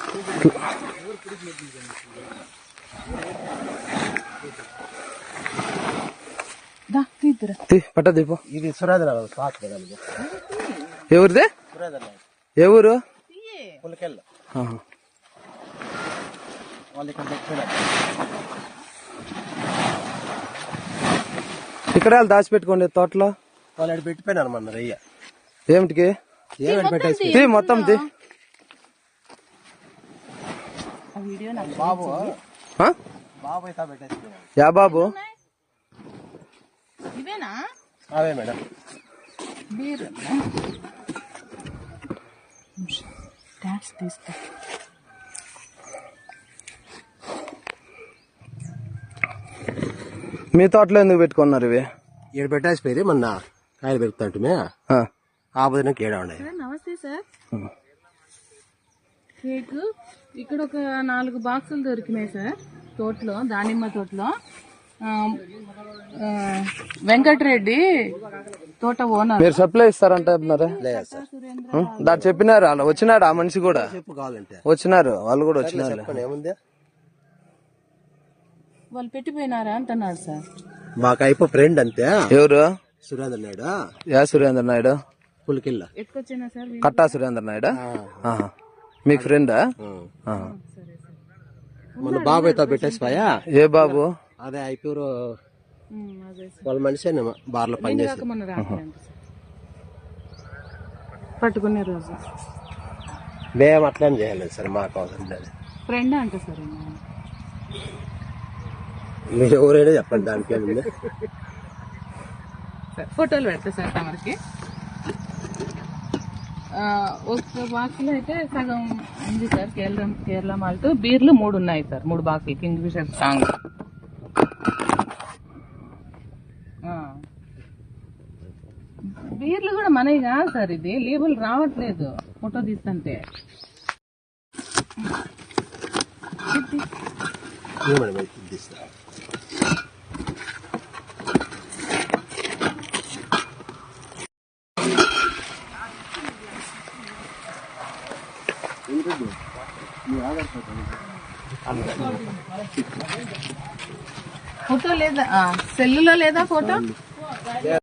పట్ట దీపం. ఇది సురేంద్ర ఎవరిదే? ఏ ఊరు? ఇక్కడ దాచిపెట్టుకోండి తోటలో. వాళ్ళు పెట్టిపోయినారు మన రయ్య. ఏమిటికి? పెట్టేసి మొత్తం బాబు యా బాబు? అవే మేడం. మీ తోటలో ఎందుకు పెట్టుకున్నారు ఇవి? ఏడు పెట్టేసిపోయి మొన్న కాయలు పెరుగుతుంటే ఆ బదినకి ఏడా ఉన్నాయి. నమస్తే సార్. కేక్ ఇక్కడ ఒక 4 బాక్సులు దొరికినాయి సార్ తోటలో, దానిమ్మ తోటలో. వెంకటరెడ్డి తోట ఓనర్. మీరు సప్లై ఇస్తారంటే దాన్ని చెప్పినారు. అలా వచ్చినాడు ఆ మనిషి కూడా. చెప్పు కావాలంటే వచ్చినారు, వాళ్ళు కూడా వచ్చినారు. ఏముంది వాళ్ళు పెట్టిపోయినారా అంటున్నాడు సార్. మాకు అయిపో ఫ్రెండ్ అంతే. ఎవరు? సురేంద్ర నాయుడు. యా సురేంద్ర నాయుడు? పులికిల్ల ఎత్తుకొచ్చినా సార్. కట్టా సురేంద్ర నాయుడు మీకు ఫ్రెండా? మన బాబాయ్తో పెట్టేసిపోయా. ఏ బాబు? అదే అయిపోయారు వాళ్ళ మనిషి బార్లో పనిచేసి పట్టుకునే రోజు మేము అట్లా చేయలేదు సార్. మాకు అవసరం లేదు. ఫ్రెండ్ అంట సార్. మీరు ఎవరైనా చెప్పండి, దానికి ఏముంది. ఫోటోలు పెడతా సార్ తమరికి. ఒక బాక్స్ లో అయితే సగం ఉంది సార్ కేరళ మాల్ట్. బీర్లు 3 ఉన్నాయి సార్, 3 బాక్సులు కింగ్ ఫిషర్ స్ట్రాంగ్. బీర్లు కూడా మనవి కాదు సార్, ఇది లేబుల్ రావట్లేదు ఫోటో తీస్తుంటే. ఫోటో లేదా? సెల్లులో లేదా ఫోటో?